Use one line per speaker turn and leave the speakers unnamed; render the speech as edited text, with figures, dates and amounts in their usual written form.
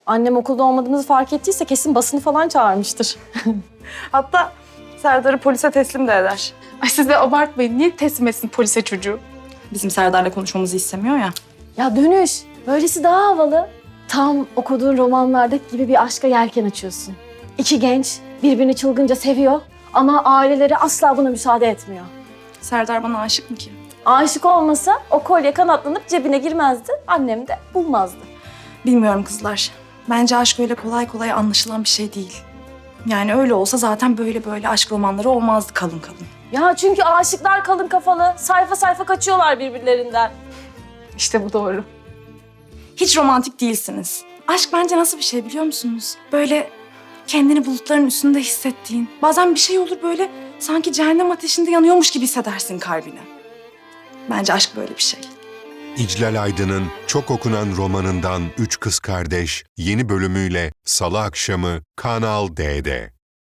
Annem okulda olmadığımızı fark ettiyse kesin basını falan çağırmıştır.
Hatta Serdar'ı polise teslim de eder.
Ay siz de abartmayın. Niye teslim etsin polise çocuğu?
Bizim Serdar'la konuşmamızı istemiyor ya.
Ya Dönüş, böylesi daha havalı. Tam okuduğun romanlardaki gibi bir aşka yelken açıyorsun. İki genç birbirini çılgınca seviyor ama aileleri asla buna müsaade etmiyor.
Serdar bana aşık mı ki?
Aşık olmasa o kolye kanatlanıp cebine girmezdi, annem de bulmazdı.
Bilmiyorum kızlar. Bence aşk öyle kolay kolay anlaşılan bir şey değil. Yani öyle olsa zaten böyle aşk romanları olmazdı kalın kalın.
Ya çünkü aşıklar kalın kafalı, sayfa sayfa kaçıyorlar birbirlerinden.
İşte bu doğru.
Hiç romantik değilsiniz. Aşk bence nasıl bir şey biliyor musunuz? Böyle kendini bulutların üstünde hissettiğin. Bazen bir şey olur böyle sanki cehennem ateşinde yanıyormuş gibi hissedersin kalbini. Bence aşk böyle bir şey.
İclal Aydın'ın çok okunan romanından Üç Kız Kardeş yeni bölümüyle Salı akşamı Kanal D'de.